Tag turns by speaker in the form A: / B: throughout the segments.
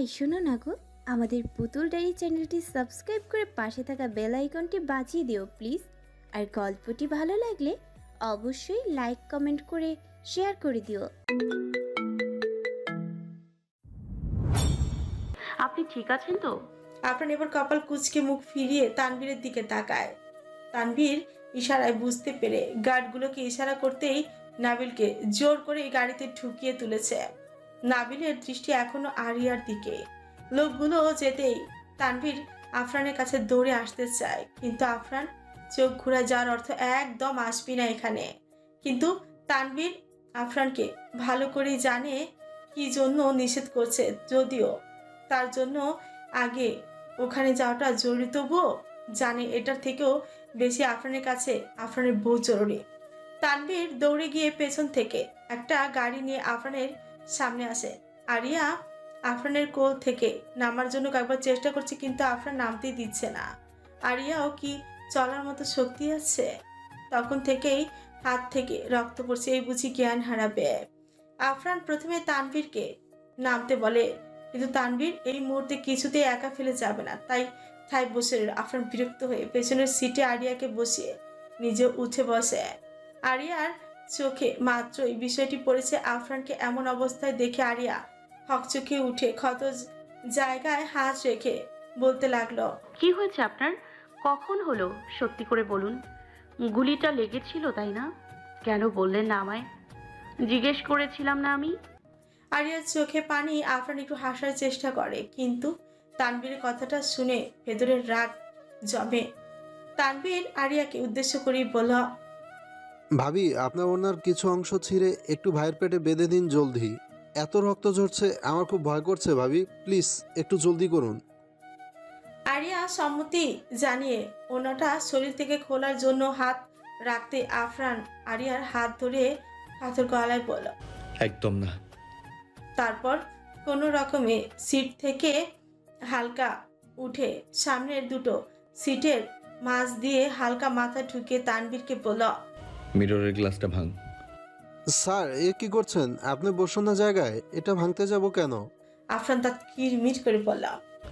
A: এই শোনো না গো, আমাদের পুতুল ডায়েরি চ্যানেলটি সাবস্ক্রাইব করে পাশে থাকা বেল আইকনটি বাজিয়ে দিও প্লিজ। আর গল্পটি ভালো লাগলে অবশ্যই লাইক কমেন্ট করে শেয়ার করে দিও।
B: আপনি ঠিক আছেন তো?
C: আফরান এবার কপাল কুঁচকে মুখ ফিরিয়ে তানভীরের দিকে তাকায়। তানভীর ইশারায় বুঝতে পেরে গার্ডগুলোকে ইশারা করতেই নাবিলকে জোর করে গাড়িতে ঢুকিয়ে তুলেছে। নাবিলের দৃষ্টি এখনো আরিয়ার দিকে। লোকগুলো যেতেই তানভীর আফরানের কাছে দৌড়ে আসতে চায়, কিন্তু আফরান চোখ ঘুরে যাওয়ার অর্থ একদম আসবি না এখানে। কিন্তু তানভীর আফরানকে ভালো করেই জানে কি জন্য নিষেধ করছে, যদিও তার জন্য আগে ওখানে যাওয়াটা জরুরি, তবুও জানে এটার থেকেও বেশি আফরানের কাছে আফরানের বহু জরুরি। তানভীর দৌড়ে গিয়ে পেছন থেকে একটা গাড়ি নিয়ে আফরানের সামনে আসে। আরিয়া আফরানের কোল থেকে নামার জন্য কয়েকবার চেষ্টা করছে, কিন্তু আফরান নামতেই দিচ্ছে না। আরিয়াও কি চলার মতো শক্তি আছে? তখন থেকেই হাত থেকে রক্ত পড়ছে, এই বুঝি জ্ঞান হারাবে। আফরান প্রথমে তানভীরকে নামতে বলে, কিন্তু তানভীর এই মুহূর্তে কিছুতেই একা ফেলে যাবে না, তাই ঠাই বসে রইল। আফরান বিরক্ত হয়ে পেছনের সিটে আরিয়াকে বসিয়ে নিজে উঠে বসে। আরিয়ার চোখে মাত্রই বিষয়টি পড়েছে। আফরানকে এমন অবস্থায় দেখে আরিয়া হকচকে উঠে ক্ষত জায়গায় হাত রেখে বলতে লাগলো,
B: কি হয়েছে আপনার? কখন হলো সত্যি করে বলুন। গুলিটা লেগেছিল তাই না? কেন বললেন না আমায়? জিজ্ঞেস করেছিলাম না আমি?
C: আরিয়ার চোখে পানি। আফরান একটু হাসার চেষ্টা করে, কিন্তু তানভীরের কথাটা শুনে ভেতরের রাগ জমে। তানভীর আরিয়াকে উদ্দেশ্য করেই বলল,
D: ভাবি, আপনার ওনার কিছু অংশ ছিঁড়ে একটু ভাইয়ের পেটে বেঁধে দিন জলদি। এত রক্ত ঝরছে, আমার খুব ভয় করছে ভাবি, প্লিজ একটু জলদি করুন।
C: আরিয়া সম্মতি জানিয়ে ওনাটা শরীর থেকে খোলার জন্য হাত রাখতে আফরান আরিয়ার হাত ধরে পাথর গলায় বলল।
E: একদম না।
C: তারপর কোনো রকমে সিট থেকে হালকা উঠে সামনের দুটো সিটের মাঝ দিয়ে হালকা মাথা ঢুকিয়ে তানভীরকে বলল,
E: মিররের গ্লাসটা ভাঙ।
D: স্যার, এ কি করছেন? আপনি বসুন না জায়গায়, এটা ভাঙতে যাব কেন?
C: আফরান তা কিরমির করে বলল।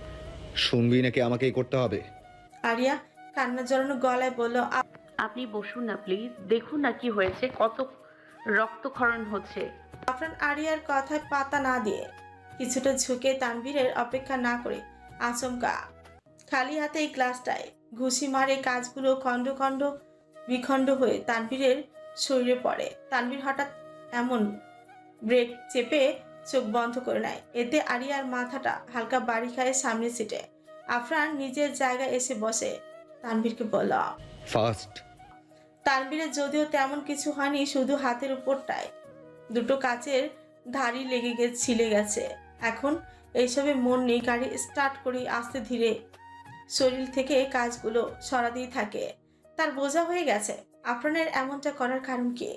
E: শুনবি নাকি আমাকেই করতে হবে?
C: আরিয়া কান্না জড়ানো গলায় বলল,
B: আপনি বসুন না প্লিজ, দেখুন না কি হয়েছে, কত রক্তক্ষরণ হচ্ছে।
C: আফরান আরিয়ার কথায় পাতা না দিয়ে কিছুটা ঝুঁকে তানভীরের অপেক্ষা না করে আচমকা খালি হাতে এই গ্লাসটায় ঘুষি মারে। কাজগুলো খণ্ড খণ্ড বিখণ্ড হয়ে তানভীরের শরীরে পড়ে। তানভীর হঠাৎ এমন ব্রেক চেপে চোখ বন্ধ করে নেয়, এতে আরিয়ার মাথাটা হালকা বাড়ি খায় সামনের সিটে। আফরান নিজের জায়গায় এসে বসে। তানভীরকে বলল,
E: ফাস্ট।
C: তানভীরের যদিও তেমন কিছু হয়নি, শুধু হাতের উপরটায় দুটো কাচের ধারি লেগে ছিলে গেছে। এখন এইসবে মন নেই, গাড়ি স্টার্ট করে আস্তে ধীরে শরীর থেকে কাজগুলো সরাতেই থাকে। তার বোঝা হয়ে গেছে আফরানের এমনটা করার কারণ কি।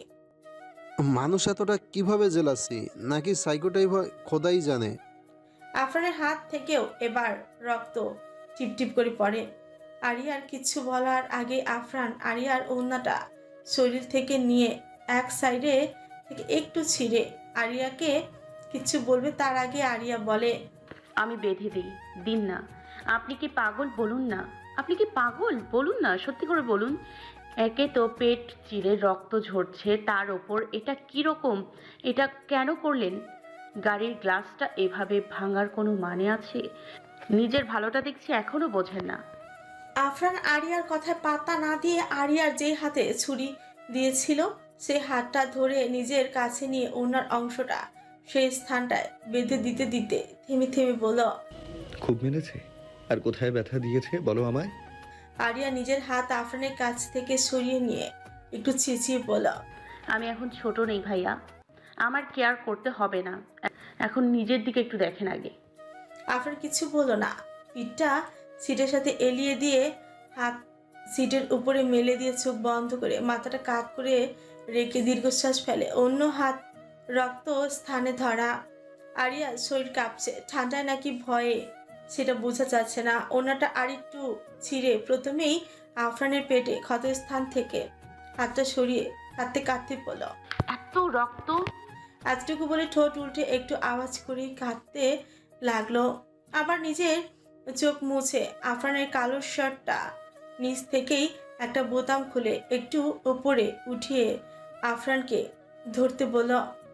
D: মানুষ এতটা কিভাবে জেলাসি, নাকি সাইকোটাই হয় খোদাই জানে।
C: আফরানের হাত থেকেও এবার রক্ত টিপটিপ করে পড়ে। আরিয়ার কিছু বলার আগে আফরান আরিয়ার ওড়নাটা শরীর থেকে নিয়ে এক সাইডে থেকে একটু ছিঁড়ে আরিয়াকে কিছু বলবে তার আগে আরিয়া বলে,
B: আমি বেঁধে দিই, দিন না। আপনি কি পাগল? বলুন না, আপনি কি পাগল? বলুন না, সত্যি করে বলুন। একে তো পেট চিরে রক্ত ঝরছে, তার ওপর এটা কি রকম? এটা কেন করলেন? গাড়ির গ্লাসটা এভাবে ভাঙার কোনো মানে আছে? নিজের ভালোটা দেখছি এখনো বোঝেন না।
C: আফরান আরিয়ার কথায় পাত্তা না দিয়ে আরিয়ার যে হাতে ছুরি দিয়েছিল সে হাতটা ধরে নিজের কাছে নিয়ে ওনার অংশটা সেই স্থানটায় বেঁধে দিতে দিতে থেমে থেমে বলল,
E: খুব মেরেছে? আর কোথায় ব্যথা দিয়েছে বলো আমায়?
C: আরিয়া নিজের হাত আফরানের কাছ থেকে সরিয়ে নিয়ে একটু চেঁচিয়ে বলল,
B: আমি এখন ছোট নেই ভাইয়া, আমার কেয়ার করতে হবে না। এখন নিজের দিকে একটু দেখেন আগে।
C: আফরান কিছু বলল না। পিঠটা সিটের সাথে এলিয়ে দিয়ে হাত সিটের উপরে মেলে দিয়ে চোখ বন্ধ করে মাথাটা কাত করে রেখে দীর্ঘশ্বাস ফেলে। অন্য হাত রক্ত স্থানে ধরা। আরিয়ার শরীর কাঁপছে, ঠান্ডায় নাকি ভয়ে সেটা বোঝা যাচ্ছে না। ওনাটা আরেকটু ছিঁড়ে প্রথমেই আফরানের পেটে ক্ষতস্থান থেকে হাতটা সরিয়ে কাঁদতে কাঁদতে বলল,
B: এত রক্ত!
C: এতটুকু বলে ঠোঁট উল্টে একটু আওয়াজ করে কাঁদতে লাগলো। আবার নিজের চোখ মুছে আফরানের কালো শার্টটা নিচ থেকেই একটা বোতাম খুলে একটু ওপরে উঠিয়ে আফরানকে ধরতে বলল।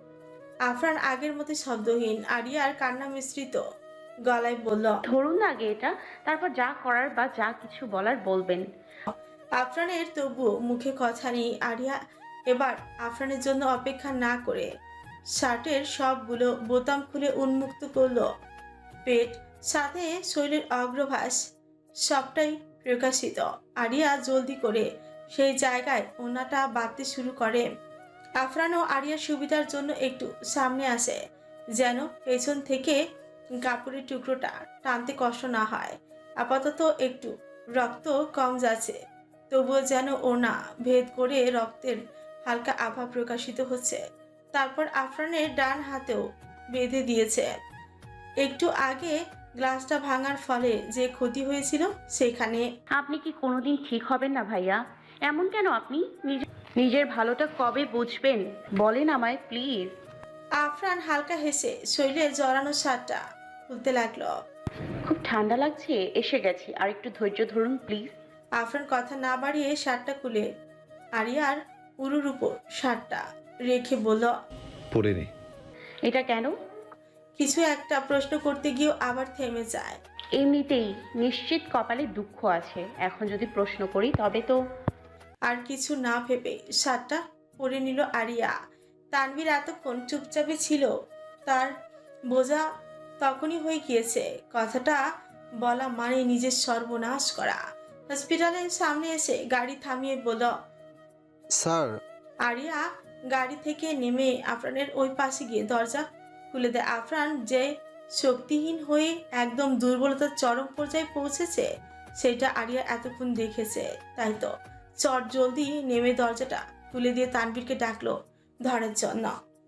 C: আফরান আগের মতো শব্দহীন আরিয়ার কান্না মিশ্রিত গলায় বলল।
B: ধরুন না আগে এটা, তারপর যা করার বা যা কিছু বলার বলবেন।
C: আফরানের তবুও মুখে কথা নেই। আরিয়া এবার আফরানের জন্য অপেক্ষা না করে শার্টের সবগুলো বোতাম খুলে উন্মুক্ত করলো। পেট সাথে শরীরের অগ্রভাস সবটাই প্রকাশিত। আরিয়া জলদি করে সেই জায়গায় ওনাটা বাঁধতে শুরু করে। আফরানও আরিয়ার সুবিধার জন্য একটু সামনে আসে, যেন পেছন থেকে কাপড়ের টুকরোটা টানতে কষ্ট না হয়। আপাতত একটু রক্ত কম যাচ্ছে, তবুও যেন ওনা ভেদ করে রক্তের হালকা আভা প্রকাশিত হচ্ছে। তারপর আফরানের ডান হাতেও বেঁধে দিয়েছে। একটু আগে গ্লাসটা ভাঙার ফলে যে ক্ষতি হয়েছিল সেখানে।
B: আপনি কি কোনোদিন ঠিক হবেন না ভাইয়া? এমন কেন আপনি? নিজের ভালোটা কবে বুঝবেন বলেন আমায় প্লিজ।
C: আফরান হালকা হেসে শরীরে জড়ানো শার্টটা খুলতে লাগলো।
B: খুব ঠান্ডা লাগছে, এসে গেছি, আর একটু ধৈর্য ধরুন প্লিজ।
C: আফরান কথা না বাড়িয়ে শার্টটা খুলে আরিয়ার উরুর উপর শার্টটা রেখে বলল।
E: পরে নে।
B: এটা কেন?
C: কিছু একটা প্রশ্ন করতে গিয়েও আবার থেমে যায়।
B: এমনিতেই নিশ্চিত কপালে দুঃখ আছে, এখন যদি প্রশ্ন করি তবে তো।
C: আর কিছু না ভেবে শার্টটা পরে নিল আরিয়া। তানভীর এতক্ষণ চুপচাপে ছিল, তার বোঝা তখনই হয়ে গিয়েছে। কথাটা বলা মানে নিজের সর্বনাশ করা। হসপিটালের সামনে এসে গাড়ি থামিয়ে বলল।
D: স্যার,
C: আরিয়া গাড়ি থেকে নেমে আফরানের ওই পাশে গিয়ে দরজা খুলে দেয়। আফরান যে শক্তিহীন হয়ে একদম দুর্বলতার চরম পর্যায়ে পৌঁছেছে সেটা আরিয়া এতক্ষণ দেখেছে। তাই তো চট জলদি নেমে দরজাটা খুলে দিয়ে তানভীরকে ডাকলো ধরার জন্য।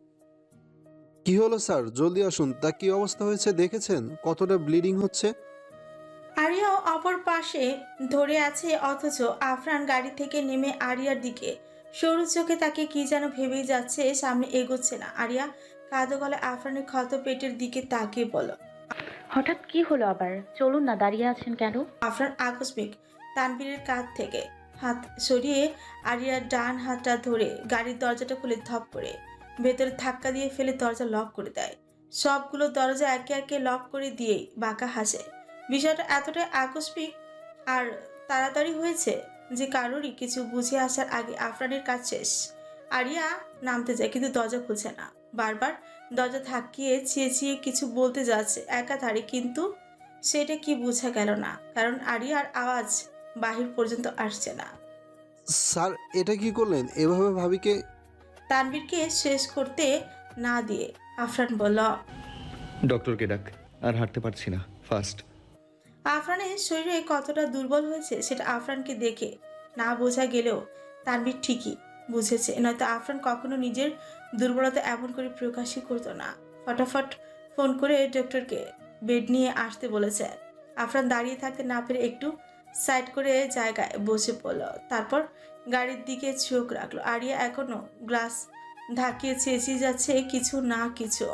D: কি হলো স্যার? জলদি আসুন। তা কি অবস্থা হয়েছে দেখেছেন? কতটা ব্লিডিং হচ্ছে?
C: আরিয়াও অপর পাশে ধরে আছে, অথচ আফরান গাড়ি থেকে নেমে আরিয়ার দিকে সরু চোখে তাকে কি যেন ভেবেই যাচ্ছে, সামনে এগোচ্ছে না। আরিয়া কাঁদো গলে আফরানের ক্ষত পেটের দিকে তাকিয়ে বলল।
B: হঠাৎ কি হলো আবার? চলুন না, দাঁড়িয়ে আছেন কেন?
C: আফরান আকস্মিক তানভীরের কাঁধ থেকে হাত সরিয়ে আরিয়ার ডান হাতটা ধরে গাড়ির দরজাটা খুলে ধপ করে ভেতরে ধাক্কা দিয়ে ফেলে দরজা লক করে দেয়। সবগুলো দরজা একে একে লক করে দিয়েই বাঁকা হাসে। বিষয়টা এতটাই আকস্মিক আর তাড়াতাড়ি হয়েছে যে কারোরই কিছু বুঝে আসার আগে আফরানের কাজ শেষ। আরিয়া নামতে যায়, কিন্তু দরজা খুলছে না। বারবার দরজা ধাক্কিয়ে চেঁচিয়ে কিছু বলতে যাচ্ছে একাধারে, কিন্তু সেটা কি বোঝা গেল না, কারণ আরিয়ার আওয়াজ বাহির পর্যন্ত আসছে না।
D: স্যার, এটা কি করলেন? এভাবে ভাবিকে?
C: তানভীরকে শেষ করতে না দিয়ে আফরান বলল।
E: ডক্টরকে ডাক, আর হাঁটতে পারছি না, ফাস্ট।
C: আফরানের শরীরে কতটা দুর্বল হয়েছে সেটা আফরানকে দেখে না বোঝা গেলেও তানভীর ঠিকই বুঝেছে, নয়তো আফরান কখনো নিজের দুর্বলতা এমন করে প্রকাশই করতো না। ফটাফট ফোন করে ডক্টরকে বেড নিয়ে আসতে বলেছে। আফরান দাঁড়িয়ে থাকতে না পেরে একটু সাইড করে জায়গায় বসে পড়ল। তারপর গাড়ির দিকে চোখ রাখলো। আরিয়া এখনো গ্লাস ধাকিয়ে চেঁচিয়ে যাচ্ছে কিছু না কিছু,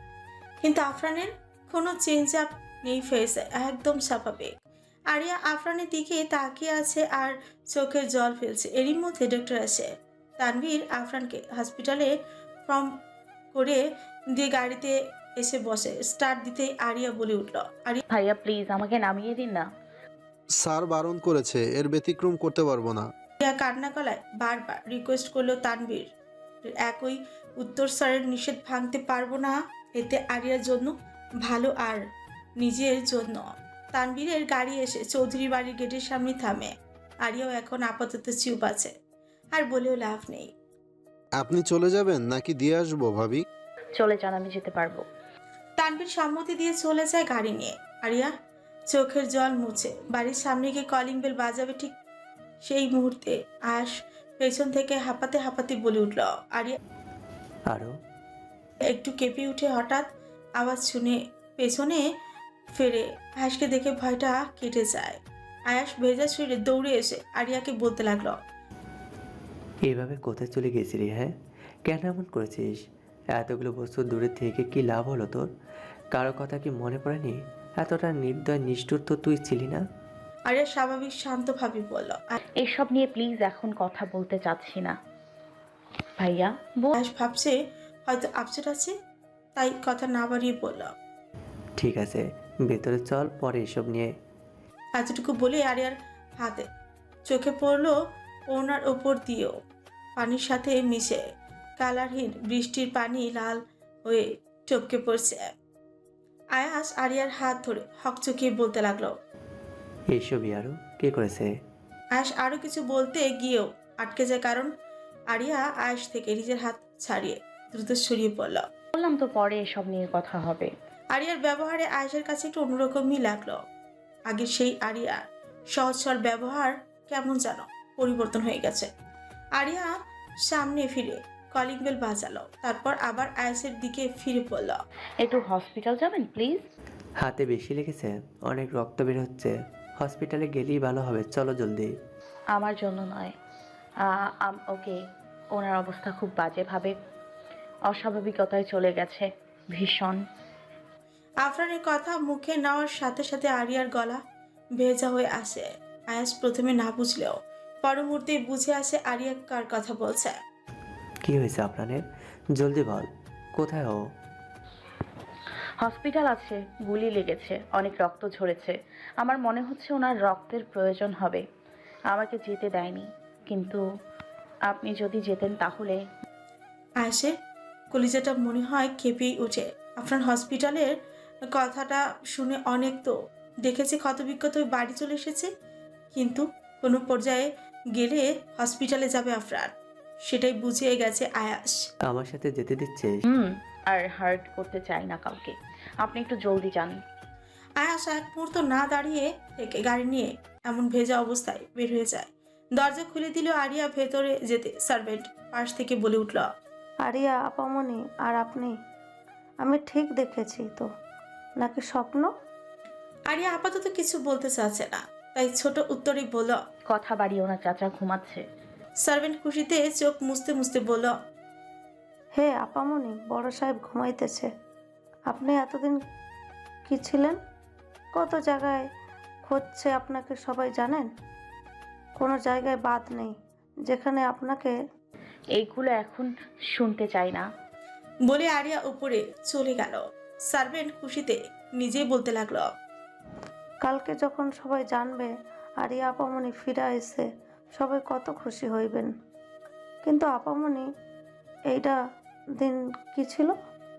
C: কিন্তু আফরানের কোনো চেঞ্জ আপ নেই, ফেসে একদম স্বাভাবিক। আরিয়া আফরানের দিকে তাকিয়ে আছে আর চোখের জল ফেলছে। এরই মধ্যে ডক্টর আসে। তানভীর আফরানকে হসপিটালে ফর্ম করে দিয়ে গাড়িতে এসে বসে। স্টার্ট দিতেই আরিয়া বলে উঠল।
B: ভাইয়া প্লিজ আমাকে নামিয়ে দিন না।
D: স্যার বারণ করেছে, এর ব্যতিক্রম করতে পারবো না।
C: আরিয়া কান্না গলায় বারবার রিকোয়েস্ট করলো তানভীর। একই উত্তর স্যারের নিষেধ ভাঙতে পারবো না, এতে আরিয়ার জন্য ভালো আর নিজের জন্য। তানভীরের গাড়ি এসে চৌধুরী বাড়ির গেটের সামনে থামে। আরিয়াও এখন আপাতত চুপ আছে, আর বলেও লাভ নেই।
D: আপনি চলে যাবেন নাকি দিয়ে আসবো ভাবি?
B: চলে যান, আমি যেতে পারবো।
C: তানভীর সম্মতি দিয়ে চলে যায় গাড়ি নিয়ে। আরিয়া চোখের জল মুছে বাড়ির সামনে গিয়ে কলিং বেল বাজাবে, ঠিক সেই মুহূর্তে আয়াস পেছন থেকে হাঁপাতে হাঁপাতে বলে উঠল। আরিয়া
F: আরও
C: একটু কেঁপে উঠে হঠাৎ আওয়াজ শুনে পেছনে ফেরে। আয়াসকে দেখে ভয়টা কেটে যায়। আয়াস ভেজা শরীরে দৌড়ে এসে আরিয়াকে বলতে লাগলো।
F: এইভাবে কোথায় চলে গেছিলি? হ্যাঁ, কেন এমন করেছিস? এতগুলো বছর দূরে থেকে কি লাভ হলো তোর? কারো কথা কি মনে পড়েনি? এতটা নির্দয় নিষ্ঠুর তো তুই ছিলি না।
C: আরিয়া স্বাভাবিক শান্তভাবে বলল।
B: এসব নিয়ে প্লিজ এখন কথা বলতে চাচ্ছি না ভাইয়া।
C: আয়াস ভাবছে হয়তো আপসেট আছে, তাই কথা না বাড়িয়ে বলল।
F: ঠিক আছে, ভেতরে চল, পরে এসব নিয়ে।
C: এতটুকু বলে আরিয়ার হাতে চোখে পড়লো ওনার ওপর দিয়েও পানির সাথে মিশে কালারহীন বৃষ্টির পানি লাল হয়ে টপকে পড়ছে। আয়াস আরিয়ার হাত ধরে হকচকিয়ে বলতে লাগলো।
F: এইসবই আরও কে করেছে?
C: আয়াস আরো কিছু বলতে গিয়েও আটকে যায়, কারণ আরিয়া আয়াস থেকে নিজের হাত ছাড়িয়ে দ্রুত সরিয়ে পড়ল।
B: বললাম তো পরে এসব নিয়ে কথা হবে।
C: আরিয়ার ব্যবহারে আয়েশের কাছে একটু অন্যরকমই লাগলো। আগের সেই আরিয়া সহজ সরল ব্যবহার কেমন যেন পরিবর্তন হয়ে গেছে। আরিয়া সামনে ফিরে কলিং বেল বাজালো, তারপর আবার আয়েশের দিকে ফিরে পড়ল।
B: একটু হসপিটাল যাবেন প্লিজ?
F: হাতে বেশি লেগেছে, অনেক রক্ত বের হচ্ছে। হসপিটালে গেলেই ভালো হবে, চলো জলদি।
B: আমার জন্য নয়, ওকে। ওনার অবস্থা খুব বাজেভাবে অস্বাভাবিকতায় চলে গেছে, ভীষণ।
C: আফরানের কথা মুখে নেওয়ার সাথে সাথে আরিয়ার গলা ভেজা হয়ে আসে। আয়াস প্রথমে না বুঝলেও পর মুহূর্তে বুঝে আসে আরিয়া কার কথা বলছে।
F: কি হয়েছে আপনাদের? জলদি বল, কোথায় ও?
B: হসপিটাল আছে, গুলি লেগেছে, অনেক রক্ত ঝরেছে। আমার মনে হচ্ছে ওনার রক্তের প্রয়োজন হবে। আমাকে যেতে দেয়নি, কিন্তু আপনি যদি যেতেন তাহলে।
C: আয়েশের কলিজাটা মনে হয় কেঁপেই ওঠে। আফরান হসপিটালের কথাটা শুনে অনেক তো দেখেছে, ক্ষতবিক্ষত হয়ে বাড়ি চলে এসেছে, কিন্তু কোনো পর্যায়ে গেলে হসপিটালে যাবে আফরান, সেটাই বুঝিয়ে গেছে আয়াস।
F: আমার সাথে যেতে দিচ্ছিস?
B: আর হার্ট করতে চাই না কাউকে। আপনি একটু জলদি যান।
C: আয়াস এক মুহূর্ত না দাঁড়িয়ে থেকে গাড়ি নিয়ে এমন ভেজা অবস্থায় বের হয়ে যায়। দরজা খুলে দিল আরিয়া। ভেতরে যেতে সার্ভেন্ট পাশ থেকে বলে উঠল।
G: আরিয়া আপামনি আর আপনি, আমি ঠিক দেখেছি তো, নাকি স্বপ্ন?
C: আরিয়া আপাতত কিছু বলতে চাচ্ছে না, তাই ছোট উত্তরে বলল।
B: কথা বাড়িও না, চাচা ঘুমাচ্ছে।
C: সার্ভেন্ট খুশিতে চোখ মুছতে মুছতে বলল।
G: হে আপামনি, বড় সাহেব ঘুমাইতেছে। আপনি এতদিন কি ছিলেন? কত জায়গায় খুঁজছে আপনাকে, সবাই জানেন? কোনো জায়গায় বাদ নেই যেখানে আপনাকে।
B: এইগুলো এখন শুনতে চাই না।
C: বলে আরিয়া উপরে চলে গেল। সার্ভেন্ট খুশিতে নিজেই বলতে লাগলো।
G: কালকে যখন সবাই জানবে আরিয়া আপামনি ফিরে এসে, সবাই কত খুশি হইবেন। কিন্তু আপামনি, এইটা দিন কি ছিল?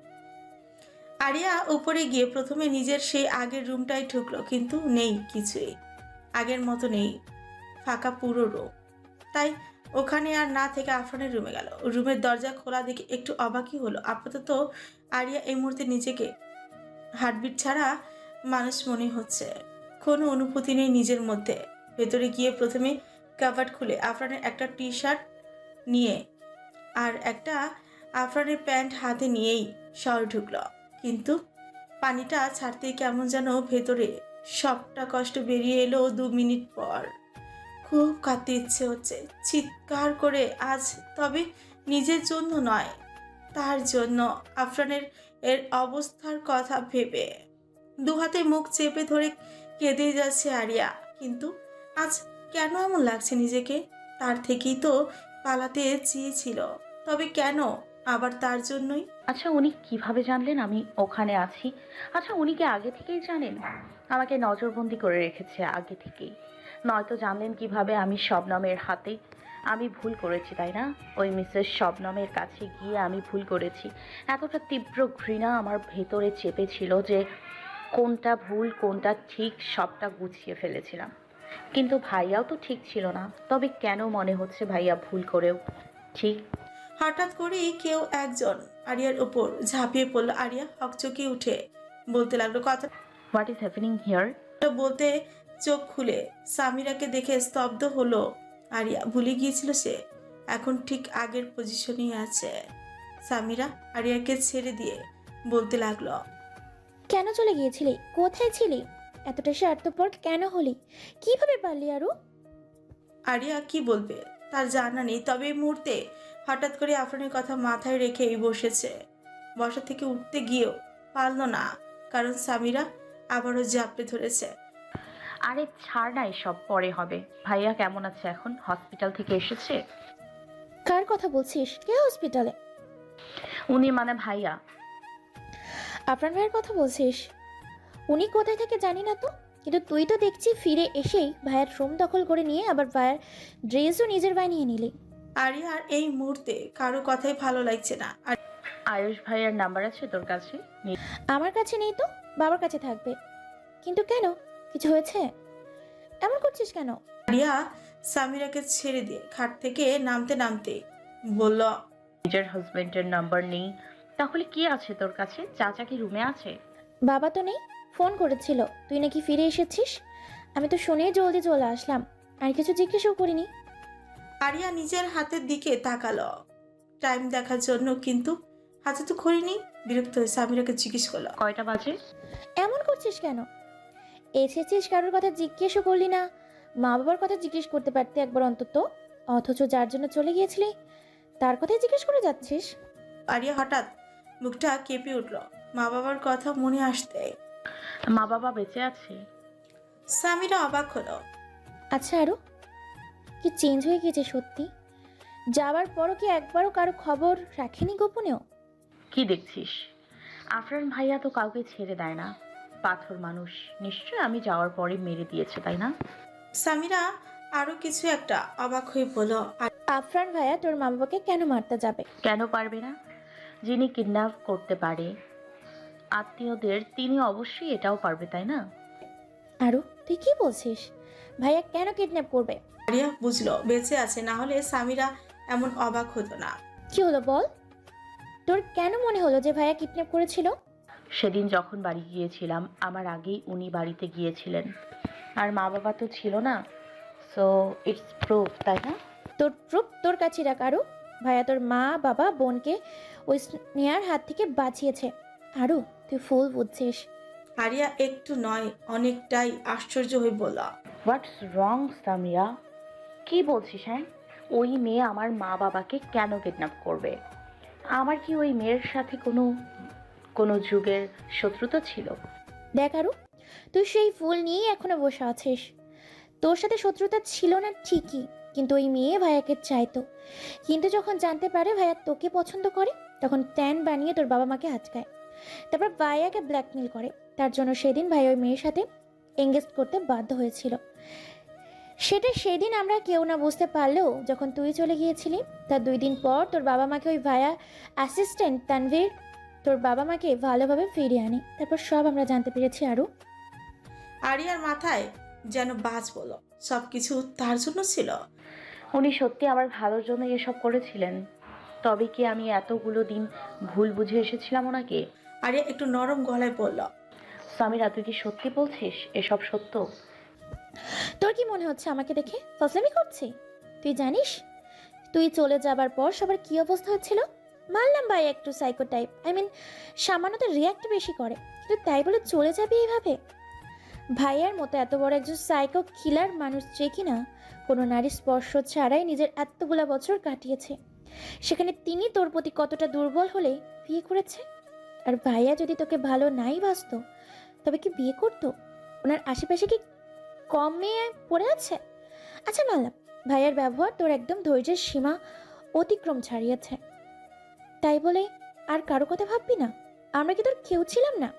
C: আরিয়া উপরে গিয়ে প্রথমে নিজের সেই আগের রুমটাই ঢুকলো, কিন্তু নেই কিছুই, আগের মতো নেই, ফাঁকা পুরো রুম। তাই ওখানে আর না থেকে আফরানের রুমে গেল। রুমের দরজা খোলা দেখে একটু অবাকই হলো। আপাতত আরিয়া এই মুহূর্তে নিজেকে হার্টবিট ছাড়া মানুষ মনে হচ্ছে, কোনো অনুভূতি নেই নিজের মধ্যে। ভেতরে গিয়ে প্রথমে কাভার্ড খুলে আফরানের একটা টি শার্ট নিয়ে আর একটা আফরানের প্যান্ট হাতে নিয়েই শহর ঢুকলো, কিন্তু পানিটা ছাড়তেই কেমন যেন ভেতরে সবটা কষ্ট বেরিয়ে এলো 2 মিনিট পর। খুব কাঁদতে ইচ্ছে হচ্ছে, চিৎকার করে আজ, তবে নিজের জন্য নয়, তার জন্য। আফরানের এর অবস্থার কথা ভেবে দু হাতে মুখ চেপে ধরে কেঁদে যাচ্ছে আরিয়া। কিন্তু আজ কেন এমন লাগছে নিজেকে? তার থেকেই তো পালাতে চেয়েছিল, তবে কেন আবার তার জন্যই?
B: আচ্ছা, উনি কিভাবে জানলেন আমি ওখানে আছি? আচ্ছা, উনি কি আগে থেকেই জানেন? আমাকে নজরবন্দি করে রেখেছে আগে থেকেই। নয়তো জানলেন কিভাবে আমি শবনমের হাতে? আমি ভুল করেছি, তাই না? ওই মিসেস শবনমের কাছে গিয়ে আমি ভুল করেছি। এতটা তীব্র ঘৃণা আমার ভেতরে চেপেছিল যে কোনটা ভুল কোনটা ঠিক সবটা গুছিয়ে ফেলেছিলাম। কিন্তু ভাইয়াও তো ঠিক ছিল না। তবে কেন মনে হচ্ছে ভাইয়া ভুল করেও ঠিক?
C: হঠাৎ করেই কেউ একজন আরিয়ার উপর ঝাঁপিয়ে পড়লো। আরিয়া হকচকিয়ে উঠে বলতে লাগলো। কথাটা
B: হোয়াট ইজ হ্যাপেনিং হিয়ার?
C: বলতে চোখ খুলে সামিরাকে দেখে স্তব্ধ হলো আরিয়া। ভুলে গিয়েছিল সে এখন ঠিক আগের পজিশনেই আছে। সামিরা আরিয়াকে ছেড়ে দিয়ে বলতে লাগলো।
H: কেন চলে গিয়েছিলি? কোথায় ছিলি? এতটা স্বার্থপর কেন হলি? কিভাবে পারলি আরু?
C: আরিয়া কি বলবে তার জানা নেই, তবে এই মুহূর্তে হঠাৎ করে আফরানের কথা মাথায় রেখেই বসেছে। বসা থেকে উঠতে গিয়েও পারল না। কারণ সামিরা আবারও জাপটে ধরেছে।
B: আরে ছাড় না, এসব পরে হবে। ভাইয়া কেমন আছে এখন? হসপিটাল থেকে এসেছে?
H: কার কথা বলছিস? কে হসপিটালে?
B: উনি মানে ভাইয়া।
H: আফরান ভাইয়ের কথা বলছিস? উনি কোথায় থেকে জানি না তো, কিন্তু তুই তো দেখছি ফিরে এসেই ভাইয়ের রুম দখল করে নিয়ে আবার ভাইয়ের ড্রেসও নিজের বানিয়ে নিলি।
C: আরিয়ার এই মুহূর্তে কারো কথাই ভালো লাগছে না। আর
B: আয়ুষ ভাইয়ার নাম্বার আছে তোর কাছে?
H: আমার কাছে নেই তো, বাবার কাছে থাকবে। কিন্তু কেন, কিছু হয়েছে? এমন করছিস কেন?
C: আরিয়া সামিরাকে ছেড়ে দিয়ে খাট থেকে নামতে নামতে বলল,
B: নিজের হাজবেন্ডের নাম্বার নেই, তাহলে কি আছে তোর কাছে? চাচা কি রুমে আছে?
H: বাবা তো নেই, ফোন করেছিল তুই নাকি ফিরে এসেছিস। আমি তো শুনেই জলদি চলে আসলাম, আর কিছু জিজ্ঞেসও করিনি।
C: আরিয়া নিজের হাতের দিকে তাকালো টাইম দেখার জন্য, কিন্তু হাতে তো ঘড়ি নেই। বিরক্ত হয়ে সামিরাকে জিজ্ঞেস করলো,
B: কয়টা বাজে?
H: এমন করছিস কেন? এসেছিস, কারোর কথা জিজ্ঞেসও করলি না। মা বাবার কথা জিজ্ঞেস করতে পারতে একবার অন্তত, অথচ যার জন্য চলে গিয়েছিলি তার কথাই জিজ্ঞেস করে যাচ্ছিস।
C: আরিয়া হঠাৎ মুখটা কেঁপে উঠল মা বাবার কথা মনে আসতে।
B: মা বাবা বেঁচে আছে?
C: সামিরা অবাক হলো।
H: আচ্ছা, আরও কি চেঞ্জ হয়ে গেছে সত্যি? যাওয়ার পরও কি একবারও কারো খবর রাখেনি গোপনেও?
B: কি দেখছিস? আফরান ভাইয়া তো কাউকে ছেড়ে দেয় না, পাথর মানুষ। নিশ্চয় আমি যাওয়ার পরে মেরে দিয়েছে, তাই না?
C: সামিরা আরো কিছু একটা অবাক হয়ে বলল,
H: আফরান ভাইয়া তোর মা বাবাকে কেন মারতে যাবে?
B: কেন পারবে না? যিনি কিডন্যাপ করতে পারে আত্মীয়দের, তিনি অবশ্যই এটাও পারবে, তাই না?
H: আরও তুই কি বলছিস? ভাইয়া কেন কিডন্যাপ করবে?
C: আরিয়া বুঝলো বেঁচে আছে, না হলে সামিরা এমন অবাক হতো না।
H: কি হলো বল? তোর কেন মনে হলো যে ভাইয়া কিডন্যাপ করেছিল?
B: সেদিন যখন বাড়ি গিয়েছিলাম, আমার আগেই উনি বাড়িতে গিয়েছিলেন, আর মা বাবা তো ছিল না। সো ইটস প্রুফ, তাই না?
H: তোর প্রুফ তোর কাছে রাখ আরু। ভাইয়া তোর মা বাবা বোনকে ওই স্নেহার হাত থেকে বাঁচিয়েছে। আরু তুই ফুল বুঝছিস।
C: আরিয়া একটু নয় অনেকটাই আশ্চর্য হয়ে বলল,
B: হোয়াটস রং সামিয়া? কি বলছিস? হ্যাঁ, ওই মেয়ে আমার মা বাবাকে কেন কিডন্যাপ করবে? আমার কি ওই মেয়ের সাথে কোনো কোনো যুগের শত্রুতা ছিল?
H: দেখ আরু, তুই সেই ফুল নিয়েই এখনো বসে আছিস। তোর সাথে শত্রুতা ছিল না ঠিকই, কিন্তু ওই মেয়ে ভাইয়াকে চাইতো। কিন্তু যখন জানতে পারে ভাইয়া তোকে পছন্দ করে, তখন প্ল্যান বানিয়ে তোর বাবা মাকে আটকায়, তারপর ভাইয়াকে ব্ল্যাকমেল করে। তার জন্য সেদিন ভাই ওই মেয়ের সাথে এঙ্গেজ করতে বাধ্য হয়েছিল। সেটা সেদিন আমরা কেউ না বুঝতে পারলেও যখন তুই চলে গিয়েছিলি, তার 2 দিন পর তোর বাবা মাকে ওই ভাইয়া অ্যাসিস্ট্যান্ট তানভীর তোর বাবা মাকে ভালোভাবে ফিরিয়ে আনি। তারপর সব আমরা জানতে পেরেছি আরু।
C: আরিয়ার মাথায় যেন বাজ বলল, সবকিছু তার জন্য ছিল।
B: উনি সত্যি আমার ভালোর জন্য এসব করেছিলেন। তবে কি আমি এতগুলো দিন ভুল বুঝে এসেছিলাম ওনাকে?
C: আরিয়া একটু নরম গলায় বলল,
B: সামিরা, তুই কি সত্যি বলছিস এসব সত্য?
H: তোর কি মনে হচ্ছে আমাকে দেখে ফসলামি করছি? তুই জানিস তুই চলে যাবার পর সবার কি অবস্থা হচ্ছিল? মানলাম ভাই একটু সাইকো টাইপ, সামান্যতে রিয়াক্ট বেশি করে, কিন্তু তাই বলে চলে যাবি এইভাবে? ভাইয়ার মতো এত বড় একজন সাইকো কিলার মানুষ যে কিনা কোনো নারী স্পর্শ ছাড়াই নিজের এতগুলা বছর কাটিয়েছে, সেখানে তিনি তোর প্রতি কতটা দুর্বল হলে বিয়ে করেছে। আর ভাইয়া যদি তোকে ভালো নাই বাসতো, তবে কি বিয়ে করতো? ওনার আশেপাশে কি কম মেয়ে পড়ে আছে? আচ্ছা মানলাম ভাইয়ার ব্যবহার তোর একদম ধৈর্যের সীমা অতিক্রম ছাড়িয়েছে, তাই বলে আর কারো কথা ভাববি না? আমরা কি তোর কেউ ছিলাম না?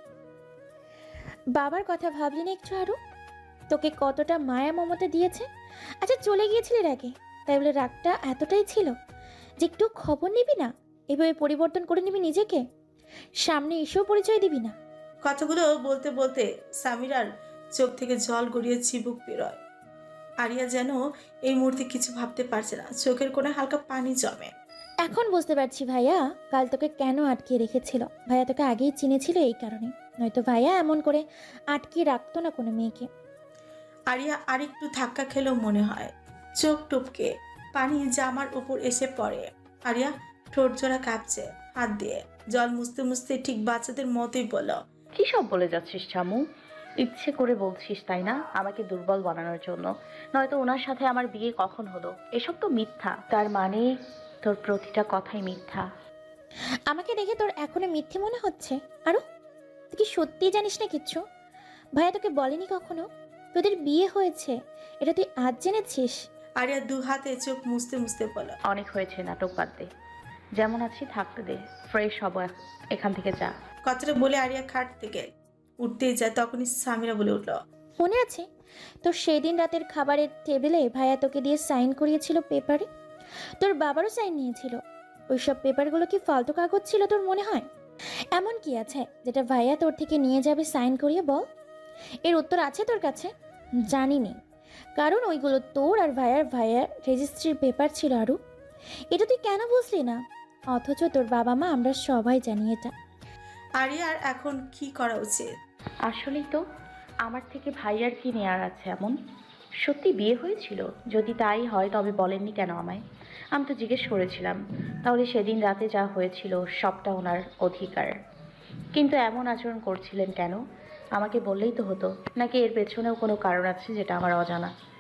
H: বাবার কথা ভাবলি না একটু আরো? তোকে কতটা মায়া মমতা দিয়েছে। আচ্ছা চলে গিয়েছিলি রাগে, তাই বলে রাগটা এতটাই ছিল যে একটু খবর নিবি না? এভাবে পরিবর্তন করে নিবি নিজেকে, সামনে এসেও পরিচয় দিবি না?
C: কথাগুলো বলতে বলতে সামিরার চোখ থেকে জল গড়িয়ে চিবুক বেরোয়। আরিয়া যেন এই মুহূর্তে কিছু ভাবতে পারছে না, চোখের কোণে হালকা পানি জমে।
H: এখন বুঝতে পারছি ভাইয়া কাল তোকে কেন আটকে রেখেছিল। ভাইয়া তোকে আগেই চিনেছিল এই কারণে, নয়তো ভাইয়া এমন করে আটকে রাখতো না কোনো মেয়েকে।
C: আরিয়া আরেকটু ধাক্কা খেলেও মনে হয়, চোখ টুপকে পানি জামার উপর এসে পড়ে। আরিয়া ঠোঁট জোড়া কাঁপছে, হাত দিয়ে জল মুছতে মুছতে ঠিক বাচ্চাদের মতোই বলল,
B: কি সব বলে যাচ্ছিস চামু? ইচ্ছে করে বলছিস তাই না, আমাকে দুর্বল বানানোর জন্য? নয়তো ওনার সাথে আমার বিয়ে কখন হলো? এসব তো মিথ্যা। তার মানে তোর প্রতিটা কথাই মিথ্যা।
H: আমাকে দেখে তোর এখনো মিথ্যে মনে হচ্ছে? আরো তুই কি সত্যিই জানিস না কিচ্ছু? ভাইয়া তোকে বলেনি কখনো তোদের বিয়ে হয়েছে? এটা তুই আজ জেনেছিস?
C: আরিয়া দু হাতে চোখ মুছতে মুছতে বলল,
B: অনেক হয়েছে, নাটক বাদ দে, যেমন আছি থাকতে দে, ফ্রেশ হব, এখান থেকে যা।
C: কথাটা বলে আরিয়া খাট থেকে উঠতেই যায়, তখনই সামিরা বলে উঠল,
H: মনে আছে তোর সেই দিন রাতের খাবারের টেবিলে ভাইয়া তোকে দিয়ে সাইন করিয়েছিল পেপারে? তোর বাবারও সাইন নিয়েছিল। ওইসব পেপারগুলো কি ফালতু কাগজ ছিল তোর মনে হয়? এমন কি আছে যেটা ভাইয়া তোর থেকে নিয়ে যাবে সাইন করিয়ে? বল, এর উত্তর আছে তোর কাছে? জানি নে, কারণ ওইগুলো তোর আর ভাইয়ার রেজিস্ট্রির পেপার ছিল। আরও এটা তুই কেন বুঝলি না? অথচ তোর বাবা মা আমরা সবাই জানি এটা।
C: আরিয়ার এখন কি করা উচিত?
B: আসলেই তো, আমার থেকে ভাইয়ার কি নেয়ার আছে এমন? সত্যি বিয়ে হয়েছিল? যদি তাই হয় তবে বলেননি কেন আমায়? আমি তো জিজ্ঞেস করেছিলাম। তাহলে সেদিন রাতে যা হয়েছিল সবটা ওনার অধিকার, কিন্তু এমন আচরণ করছিলেন কেন? আমাকে বললেই তো হতো। নাকি এর পেছনেও কোনো কারণ আছে যেটা আমার অজানা?